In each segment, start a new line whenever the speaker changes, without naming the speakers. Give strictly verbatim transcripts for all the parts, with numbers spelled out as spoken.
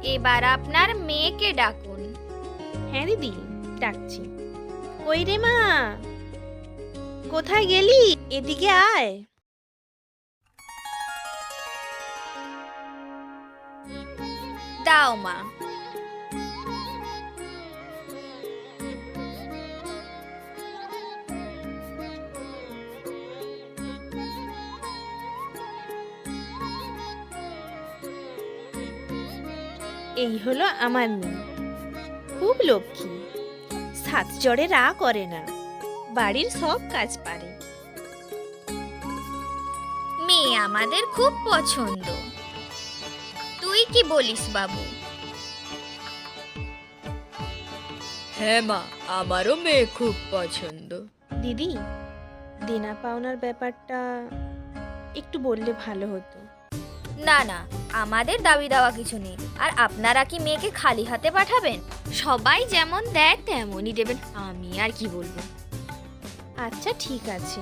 এবার আপনার মেয়েকে ডাকুন।
হ্যাঁ দিদি, ডাকছি। কই রে মা, কোথায় গেলি? এদিকে আয়।
দাও মা।
এই হলো আমার মেয়ে, খুব লক্ষ্মী, সাত জড়ে রা করে না, বাড়ির সব কাজ পারে।
মেয়ে আমাদের খুব পছন্দ। তুই কি বলিস বাবু?
হ্যাঁ মা, আমারও মেয়ে খুব পছন্দ।
দিদি, দেনা পাওনার ব্যাপারটা একটু বললে ভালো হতো।
না না, আমাদের দাবি দেওয়া কিছু নেই। আর আপনারা কি মেয়েকে খালি হাতে পাঠাবেন? সবাই যেমন দেয় তেমনই দেবেন। আমি আর কি বলবো।
আচ্ছা ঠিক আছে।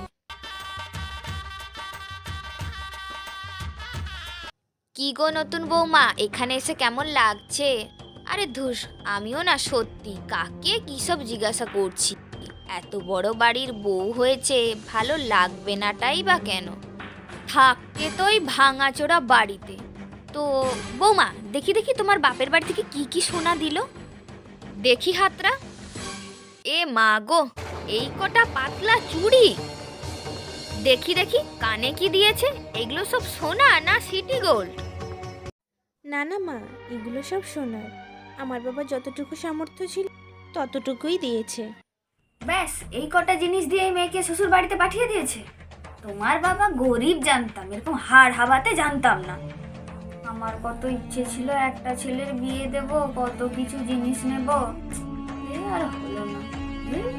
কি গো নতুন বৌমা, এখানে এসে কেমন লাগছে? আরে ধুস, আমিও না সত্যি কাকে কি সব জিজ্ঞাসা করছি। এত বড় বাড়ির বউ হয়েছে, ভালো লাগবে নাটাই বা কেন? থাকতে তো ওই ভাঙাচোরা বাড়িতে। তো বৌমা, দেখি দেখি তোমার বাপের বাড়ি থেকে কি কি সোনা দিল। দেখি হাতরা। এ মা গো, এই কটা পাতলা চুড়ি। দেখি দেখি কানে কি দিয়েছে। এগুলো সব সোনা না সিটি গোল্ড?
না না মা, এগুলো সব সোনার। আমার বাবা যতটুকু সামর্থ্য ছিল ততটুকুই দিয়েছে।
ব্যাস এই কটা জিনিস দিয়ে এই মেয়েকে শ্বশুর বাড়িতে পাঠিয়ে দিয়েছে? তোমার বাবা গরিব জানতাম, এরকম হাড় হাবাতে জানতাম না। আমার কত ইচ্ছে ছিল একটা ছেলের বিয়ে দেব, কত কিছু জিনিস নেব, এ আর হলো না। হুম?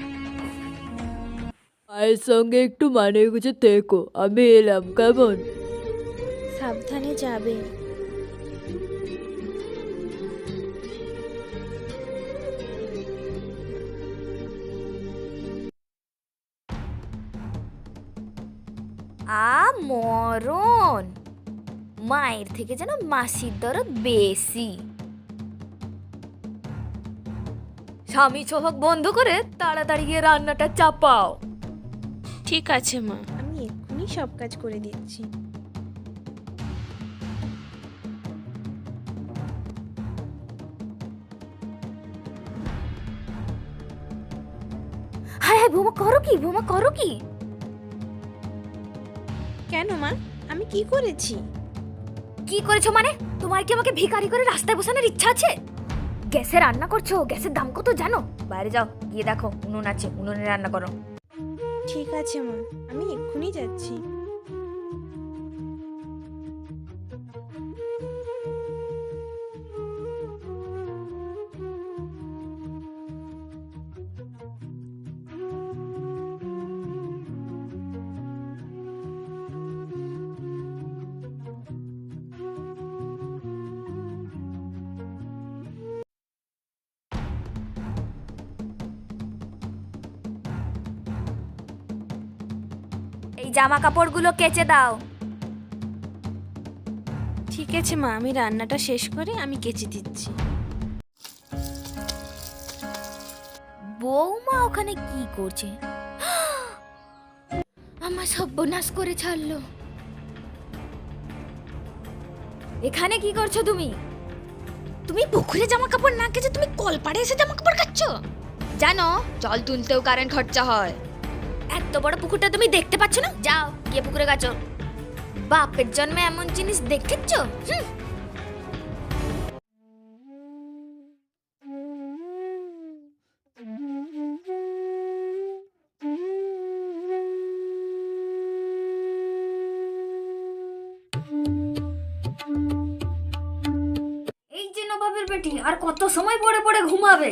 মায়ের সঙ্গে একটু মানে গুছে থেকো, আমি এলাম কেমন?
সাবধানে যাবে।
আ মরণ, মায়ের থেকে যেন মাসির দরদ বেশি। স্বামী চোখ বন্ধ করে তাড়াতাড়ি গিয়ে রান্নাটা চাপাও।
ঠিক আছে মা, আমি এক্ষুনি সব কাজ করে দিচ্ছি।
হ্যাঁ হ্যাঁ, বোমা করো কি, বোমা করো কি?
কেন মা, আমি কি করেছি?
কি করেছো মানে? তোমার কি আমাকে ভিখারি করে রাস্তায় বসানোর ইচ্ছা আছে? গ্যাসে রান্না করছো, গ্যাসের দাম কত জানো? বাইরে যাও, গিয়ে দেখো উনুন আছে, উনুনে রান্না করো।
ঠিক আছে মা, আমি এক্ষুনি যাচ্ছি।
এই জামা কাপড়গুলো কেচে দাও।
ঠিক আছে মা, আমি রান্নাটা শেষ করে আমি কেচে দিচ্ছি।
বৌমা ওখানে কি করছে? আমার সর্বনাশ করে ছাড়লো। এখানে কি করছো তুমি? তুমি পুকুরে জামা কাপড় না কেচে তুমি কলপাড়ে এসে জামা কাপড় কাচ্ছো? জানো জল তুলতেও কারেন্ট খরচা হয়। এত বড় পুকুরটা তুমি দেখতে পাচ্ছ না? যাও গিয়ে পুকুরে কাচো। বাপের জন্মে এমন জিনিস দেখেছ? হুম। এই যে নবাবের বেটি, আর কত সময় পড়ে পড়ে ঘুমাবে?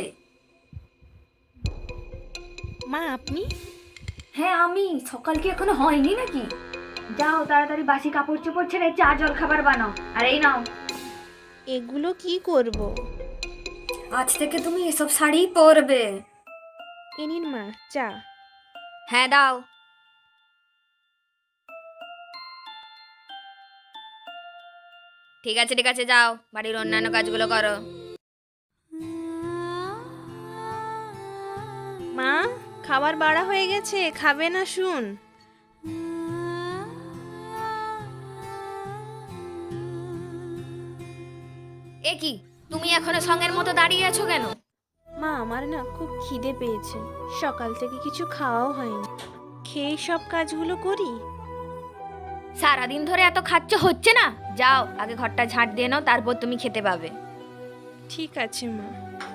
মা আপনি?
হ্যাঁ আমি। সকাল কি এখনো হয়নি নাকি? যাও তাড়াতাড়ি বাসি কাপড় চোপড় ছেড়ে চা জল খাবার বানাও। আর এই নাও,
এগুলো কি করব?
আজ থেকে তুমি এসব শাড়ি পরবে।
এ নিন মা চা।
হ্যাঁ দাও। ঠিক আছে ঠিক আছে, যাও বাড়ির অন্যান্য কাজগুলো করো।
মা, খাবার বাড়া হয়ে গেছে, খাবে না শুন?
এ কি, তুমি এখনো সঙ্গের মতো দাঁড়িয়ে আছো কেন?
মা, আমার না খুব খিদে পেয়েছে, সকাল থেকে কিছু খাওয়াও হয়নি, খেয়ে সব কাজগুলো করি।
সারাদিন ধরে এত খাচ্ছ, হচ্ছে না? যাও আগে ঘরটা ঝাঁট দিয়ে নাও, তারপর তুমি খেতে পাবে।
ঠিক আছে মা।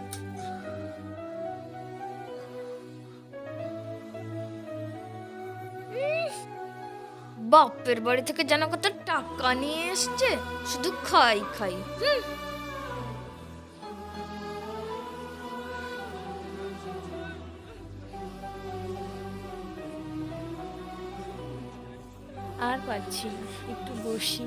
বাপের বাড়ি থেকে যেন কত টাকা নিয়ে এসছে, শুধু খাই খাই। হুম।
আর পাচ্ছি না, একটু বসি।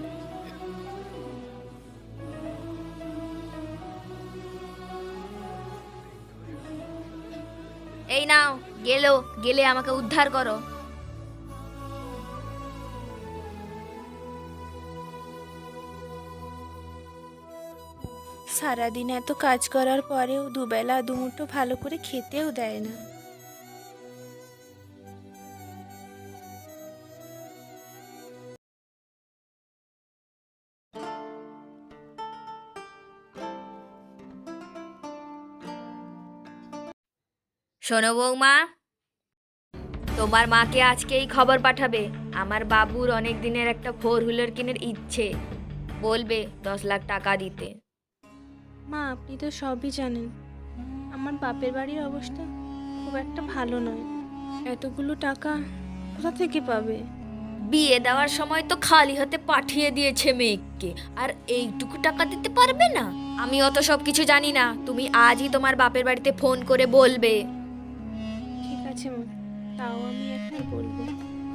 এই নাও, গেলো গেলে আমাকে উদ্ধার করো।
সারাদিন এত কাজ করার পরেও দুবেলা দুমুঠো ভালো করে খেতেও দেয় না।
শোনো বৌমা, তোমার মাকে আজকে এই খবর পাঠাবে, আমার বাবুর অনেক দিনের একটা ফোর হুইলার কেনার ইচ্ছে, বলবে দশ লাখ টাকা দিতে।
মা, আপনি তো সবই জানেন, আমার বাপের বাড়ির অবস্থা খুব একটা ভালো নয়। এতগুলো টাকা কোথা থেকে পাবে?
বিয়ে দেওয়ার সময় তো খালি হাতে পাঠিয়ে দিয়েছে মেয়েকে, আর এইটুকু টাকা দিতে পারবে না? আমি অত সব কিছু জানি না, তুমি আজই তোমার বাপের বাড়িতে ফোন করে বলবে।
ঠিক আছে মা, তাও আমি এখন বলবো।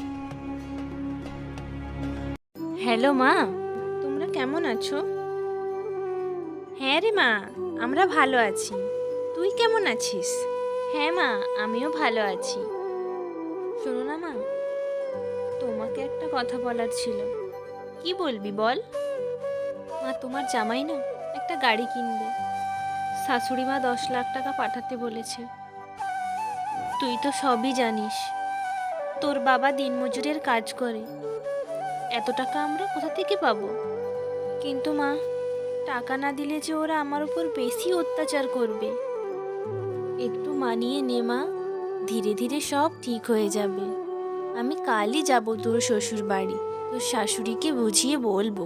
হ্যালো মা, তোমরা কেমন আছো? হ্যাঁ রে মা, আমরা ভালো আছি। তুই কেমন আছিস? হ্যাঁ মা, আমিও ভালো আছি। শোনো না মা, তোমাকে একটা কথা বলার ছিল। কি বলবি বল। মা, তোমার জামাই না একটা গাড়ি কিনবে, শাশুড়ি মা দশ লাখ টাকা পাঠাতে বলেছে। তুই তো সবই জানিস, তোর বাবা দিনমজুরের কাজ করে, এত টাকা আমরা কোথা থেকে পাবো? কিন্তু মা, টাকা না দিলে যে ওরা আমার উপর বেশি অত্যাচার করবে। একটু মানিয়ে নে মা, ধীরে ধীরে সব ঠিক হয়ে যাবে। আমি কালই যাব তোর শ্বশুর বাড়ি, তোর শাশুড়িকে বুঝিয়ে বলবো।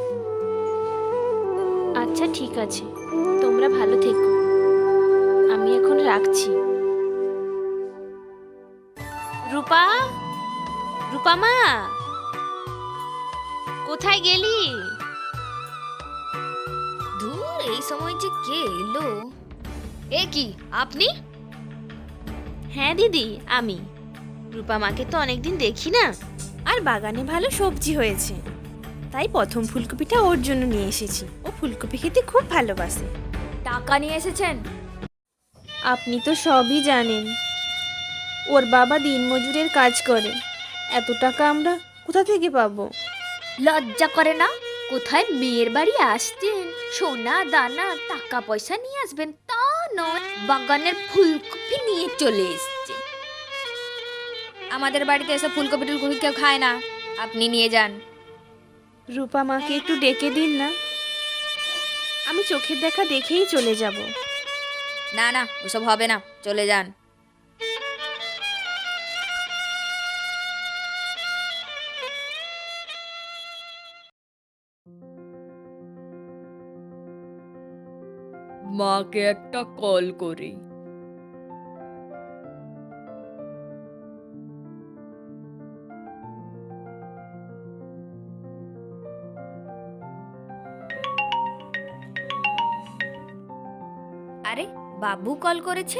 আচ্ছা ঠিক আছে, তোমরা ভালো থেকো, আমি এখন রাখছি। রূপা, রূপা মা, কোথায় গেলি?
ধুর, এই সময় যে কে এলো? এ কি, আপনি?
হ্যাঁ দিদি, আমি। রূপা মাকে তো অনেকদিন দেখি না, আর বাগানে ভালো সবজি হয়েছে, তাই প্রথম ফুলকপিটা ওর জন্য নিয়ে এসেছি। ও ফুলকপি খেতে খুব ভালোবাসে।
টাকা নিয়ে এসেছেন?
আপনি তো সবই জানেন, ওর বাবা দিনমজুরের কাজ করে, এত টাকা আমরা কোথা থেকে পাবো?
লজ্জা করে না? কোথায় মেয়ের বাড়ি আসছেন, সোনা দানা টাকা পয়সা নিয়ে আসবেন তা নয়, বাগানের ফুলকপি নিয়ে চলে এসছে। আমাদের বাড়িতে এসে ফুলকপি টুলকপি কেউ খায় না, আপনি নিয়ে যান।
রূপা মাকে একটু ডেকে দিন না, আমি চোখের দেখা দেখেই চলে যাব।
না না, ওসব হবে না, চলে যান।
মাকে একটা কল করি।
আরে, বাবু কল করেছে।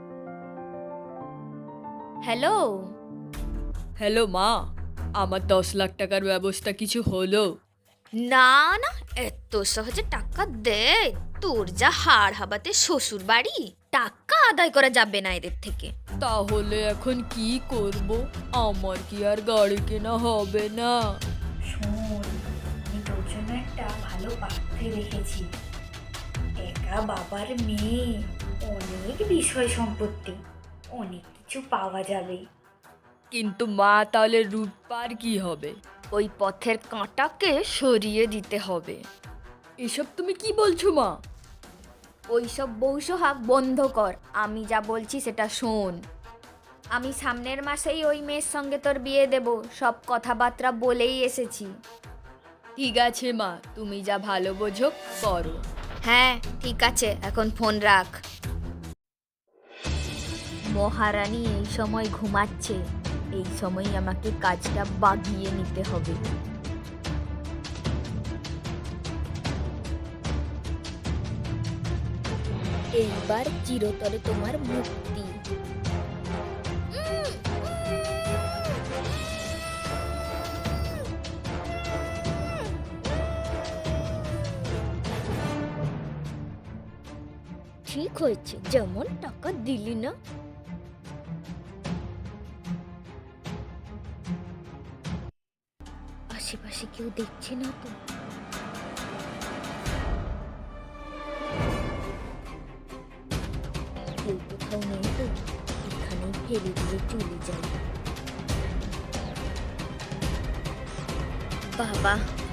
হ্যালো।
হ্যালো মা, আমার দশ লাখ টাকার ব্যবস্থা কিছু হলো?
না না, এত সহজে টাকা দে? তোর যা হাড় হাবাতে শ্বশুর বাড়ি, টাকা আদায় করা যাবে না এদের থেকে।
তাহলে এখন কি করব? আমার কি আর গাড়ি কেনা হবে না?
শোন, আমি তোর জন্য একটা ভালো
ভালো পাত্রে রেখেছি। একা বাবার মেয়ে, অনেক বিষয় সম্পত্তি, অনেক কিছু পাওয়া যাবে।
কিন্তু মা, তাহলে রূপার কি হবে?
ওই পথের কাঁটাকে সরিয়ে দিতে হবে।
এসব তুমি কি বলছো মা?
ওইসব বৌসোহাগ বন্ধ কর, আমি যা বলছি সেটা শোন। আমি সামনের মাসেই ওই মেয়ের সঙ্গে তোর বিয়ে দেব, সব কথাবার্তা বলেই এসেছি।
ঠিক আছে মা, তুমি যা ভালো বোঝো করো।
হ্যাঁ ঠিক আছে, এখন ফোন রাখ। মহারানী এই সময় ঘুমাচ্ছে, এই সময় আমাকে কাজটা বাগিয়ে নিতে হবে। এইবার চিরতরে তোমার মুক্তি। ঠিক হয়েছে, যেমন টাকা দিলি না। আশেপাশে কেউ দেখছে না তো? কেউ কোথাও নেই তো, এখানেই ফেলে দিয়ে চলে যাই। বাবা,